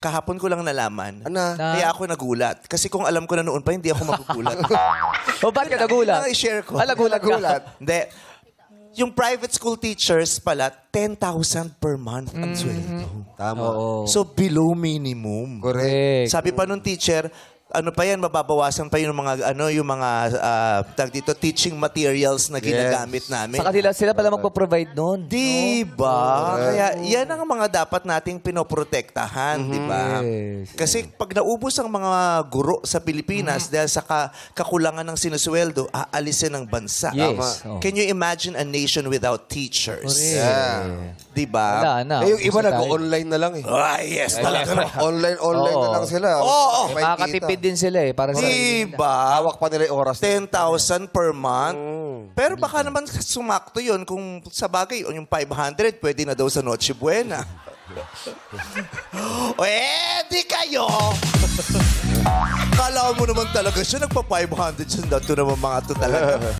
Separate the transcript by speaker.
Speaker 1: Kahapon ko lang nalaman.
Speaker 2: Ano?
Speaker 1: Kaya ako nagulat. Kasi kung alam ko na noon pa, hindi ako magugulat.
Speaker 3: O, ba't ka nagulat?
Speaker 1: Kailangan i-share ko.
Speaker 3: Nagulat ka.
Speaker 1: Hindi. Yung private school teachers pala, 10,000 per month ang sweldo.
Speaker 2: Tama.
Speaker 3: Oo.
Speaker 1: So, below minimum.
Speaker 2: Correct.
Speaker 1: Sabi pa nung teacher, ano pa yan, mababawasan pa yung mga, tag dito, teaching materials na ginagamit namin.
Speaker 3: Sa kanila, sila pala magpo-provide nun.
Speaker 1: Diba? Kaya yan ang mga dapat nating pinoprotektahan, di ba?
Speaker 3: Yes.
Speaker 1: Kasi pag naubos ang mga guro sa Pilipinas dahil sa kakulangan ng sinusweldo, aalisin ng bansa.
Speaker 3: Yes.
Speaker 1: Tama. Can you imagine a nation without teachers?
Speaker 2: Yeah.
Speaker 1: Di ba?
Speaker 3: Wala na.
Speaker 2: Yung iba nag-online na lang eh.
Speaker 1: Ah, yes, talaga naman.
Speaker 2: Online na lang sila.
Speaker 1: Oo.
Speaker 2: May
Speaker 3: Makakatipid din sila eh. Para sa
Speaker 1: Diba?
Speaker 2: Hawak pa nila yung oras.
Speaker 1: 10,000 per month. Pero baka naman sumakto yun kung sa bagay, yung 500, pwede na daw sa Noche Buena. O di kayo! Kala mo naman talaga siya, nagpa-500 siya. Ito naman mga to talaga.